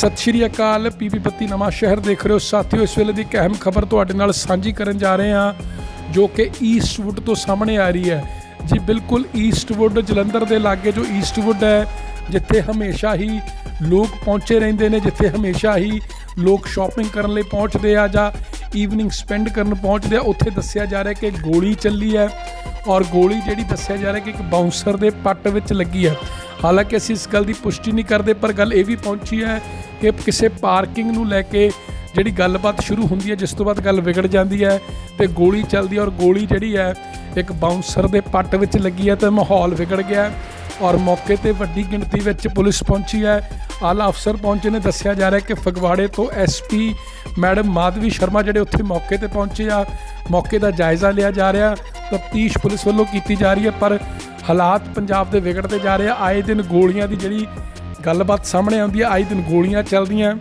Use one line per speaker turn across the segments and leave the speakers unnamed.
सत श्री अकाल। पीपी बत्ती नवां शहर देख रहे हो साथियों। इस वेले की एक अहम खबर तुहाडे नाल सांझी करन जा रहे हैं जो कि ईस्टवुड तो सामने आ रही है जी। बिल्कुल ईस्टवुड जलंधर के लागे जो ईस्टवुड है, जिथे हमेशा ही लोग पहुँचे रहंदे ने, जिथे हमेशा ही लोग शॉपिंग करन लई पहुँचते आ जां ईवनिंग स्पेंड करन पहुँचते आ, उत्थे दस्सिया जा रहा है कि गोली चली है और गोली जिहड़ी दस्सिया जा रहा है कि एक बाउंसर के पट विच लगी है। हालांकि असीं इस गल की पुष्टि नहीं करते, पर गल ये भी पहुंची है कि किसी पार्किंग नूं लैके जिहड़ी गलबात शुरू होंदी है, जिस तो बाद गल विगड़ जाती है तो गोली चलती है और गोली जिहड़ी है एक बाउंसर के पट विच लगी है तो माहौल विगड़ गया है और मौके पर वड्डी गिणती विच पुलिस पहुंची है। आला अफसर पहुंचे ने। दस्सिया जा रहा है कि फगवाड़े तो SP मैडम माधवी शर्मा जिहड़े उत्थे मौके पर पहुंचे आ, मौके का जायज़ा लिया जा रहा, तफ्तीश पुलिस वालों की जा रही है। पर हालात पंजाब के विगड़ते जा रहे हैं। आए दिन गोलियां की जिहड़ी गलबात सामने आती है, आए दिन गोलियां चलदियां,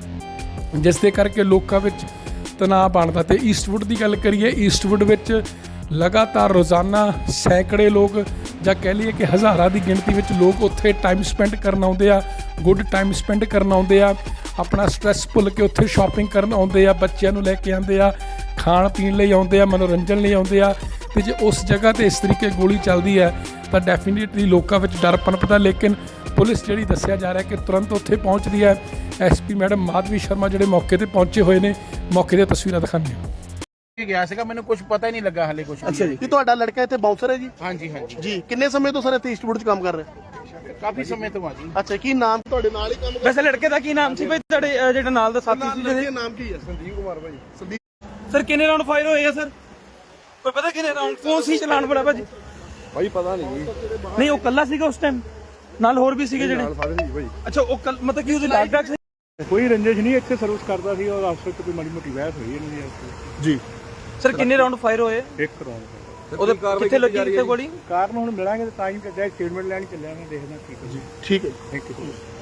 जिस दे करके लोकां विच तनाव बनता। तो ईस्टवुड की गल करिए, ईस्टवुड विच लगातार रोज़ाना सैकड़े लोग ਜਾਂ कह लीए कि हज़ारां की गिणती में लोग उत्थे टाइम स्पेंड करन आउंदे आ, गुड टाइम स्पेंड करन आउंदे आ, अपना स्ट्रैस भुल के उत्थे शॉपिंग करन आउंदे आ, बच्चों नूं लैके आउंदे आ, खाण पीण लई आउंदे आ, मनोरंजन लई आउंदे आ। तो जे उस जगह ते इस तरीके गोली चलती है तो डेफिनेटली लोगों में डर पनपदा। लेकिन पुलिस जिहड़ी दस्सिया जा रहा है कि तुरंत उत्थे पहुँचती है। SP मैडम माधवी शर्मा जिहड़े मौके पर पहुँचे हुए ने, मौके दी तस्वीरां दिखाने
ਗਿਆ ਸੀਗਾ, ਮੈਨੂੰ ਕੁਝ ਪਤਾ ਹੀ ਨਹੀਂ ਲੱਗਾ ਹਾਲੇ ਕੁਝ।
ਅੱਛਾ ਜੀ, ਕੀ ਤੁਹਾਡਾ ਲੜਕਾ ਇੱਥੇ ਬਾਉਂਸਰ ਹੈ ਜੀ?
ਹਾਂਜੀ ਹਾਂਜੀ
ਜੀ, ਕਿੰਨੇ ਸਮੇਂ ਤੋਂ ਸਰ ਇੱਥੇ ਈਸਟਵੁੱਡ 'ਚ ਕੰਮ ਕਰ ਰਿਹਾ?
ਕਾਫੀ ਸਮੇਂ ਤੋਂ ਆ ਜੀ।
ਅੱਛਾ, ਕੀ ਨਾਮ ਤੁਹਾਡੇ ਨਾਲ ਹੀ ਕੰਮ ਕਰ?
ਵੈਸੇ ਲੜਕੇ ਦਾ ਕੀ ਨਾਮ ਸੀ ਭਾਈ ਤੁਹਾਡੇ ਜਿਹੜਾ ਨਾਲ ਦਾ ਸਾਥੀ ਸੀ?
ਲੜਕੇ ਦਾ ਨਾਮ ਕੀ ਹੈ? ਸੰਦੀਪ ਕੁਮਾਰ ਭਾਈ। ਸੰਦੀਪ
ਸਰ ਕਿੰਨੇ ਰਾਉਂਡ ਫਾਇਰ ਹੋਏ ਆ ਸਰ? ਕੋਈ ਪਤਾ ਕਿੰਨੇ ਰਾਉਂਡ? ਕੌਣ ਸੀ ਚਲਾਨ ਬੜਾ ਭਾਜੀ?
ਭਾਈ ਪਤਾ ਨਹੀਂ ਜੀ।
ਨਹੀਂ ਉਹ ਕੱਲਾ ਸੀਗਾ ਉਸ ਟਾਈਮ, ਨਾਲ ਹੋਰ ਵੀ ਸੀਗੇ ਜਿਹੜੇ?
ਸਾਰੇ ਜੀ ਭਾਈ।
ਅੱਛਾ ਉਹ ਮਤਲਬ ਕਿ ਉਹਦੇ ਲਾਗ ਡਾਕ ਸੀ?
ਕੋਈ ਰੰਜਿਸ਼ ਨਹੀਂ, ਇੱਥੇ ਸਰਵਿਸ ਕਰਦਾ ਸੀ ਔਰ ਅਫਸਰ ਤੋਂ ਕੋਈ ਮਾੜੀ ਮੋਟੀ ਬਹਿਸ ਹੋਈ ਇਹਨਾਂ ਦੀ।
ਜੀ
ਸਰ ਕਿੰਨੇ ਰਾਉਂਡ ਫਾਇਰ ਹੋਏ?
ਇੱਕ ਰੌਂਡ
ਉਹਦੇ ਕਿੱਥੇ ਲੱਗੀ ਕਿੱਥੇ ਗੋਲੀ?
ਕਾਰਨ ਹੁਣ ਮਿਲਾਂਗੇ ਤਾਂ ਹੀ ਚੱਲਿਆ, ਸਟੇਟਮੈਂਟ ਲੈਣ ਚੱਲਿਆ, ਮੈਂ ਦੇਖਦਾ ਕੀ ਕੁਝ।
ਠੀਕ ਹੈ।
Thank you.